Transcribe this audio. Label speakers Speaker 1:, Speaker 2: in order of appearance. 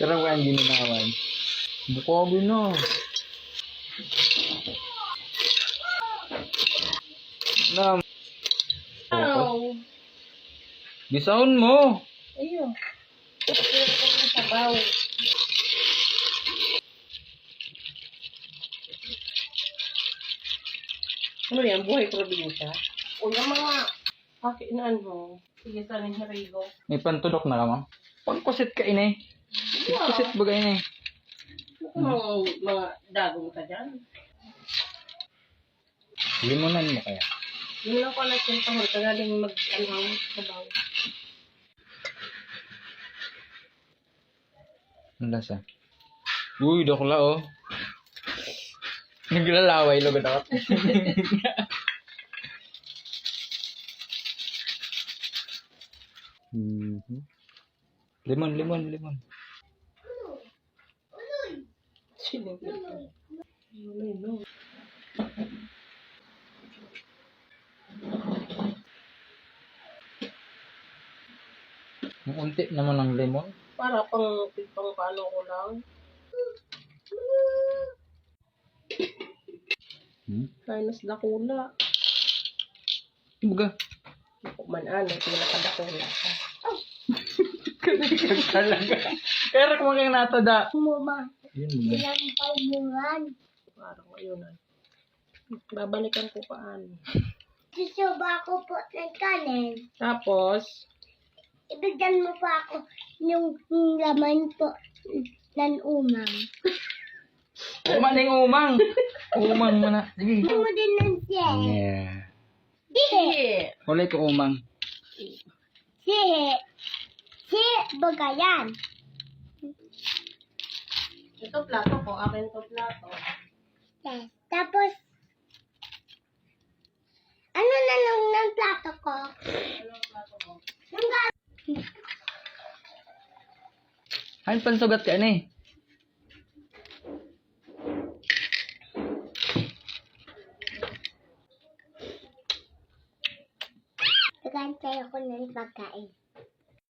Speaker 1: Sarap ka ang gininawan. Bukabi na. Na.
Speaker 2: Ow.
Speaker 1: Gisahon mo.
Speaker 2: Ayun. Ayun ang sabaw. Ano yan? Buhay probinsya? O yung mga kakinaan mo. Sige, sana yung harigo.
Speaker 1: May pantulok na ka, ma'am. Pagkusit ka, inay. Pagkusit ba ka, inay?
Speaker 2: Mga dagong ka dyan.
Speaker 1: Limonan mo kaya.
Speaker 2: Yun lang pala yung pahol. Kagaling mag-alawang sabaw.
Speaker 1: Ang lasa. Uy, dokla, oh. Naglalaway, lugod ako. Limon, limon, limon.
Speaker 2: Sinigil ka. No.
Speaker 1: Ang unti naman ng lemon.
Speaker 2: Para pang paano ko lang. Kainas dakula.
Speaker 1: Baga.
Speaker 2: Kumanan, pinakadakula ka.
Speaker 1: Talaga. Pero kung kang natada.
Speaker 3: Mama,
Speaker 1: Yun ba?
Speaker 3: ilang painuran.
Speaker 2: Parang ayun na. Babalikan ko paano.
Speaker 3: Susuba ko po ng kanin.
Speaker 2: Tapos,
Speaker 3: Ibigyan mo pa ako yung laman po ng umang.
Speaker 1: Umaning umang. Umang mo na. Sige.
Speaker 3: Mo din ng siye.
Speaker 1: Yeah.
Speaker 3: Sihe.
Speaker 1: Kulay ko umang.
Speaker 3: Sihe. Sihe bagayan.
Speaker 2: ito plato ko. Akin to plato.
Speaker 3: Yes. Tapos, ano na lang ng plato ko?
Speaker 2: Anong plato ko?
Speaker 3: Yung
Speaker 1: Hain pansugat ka ni.
Speaker 3: gagantay ako ng pagkain.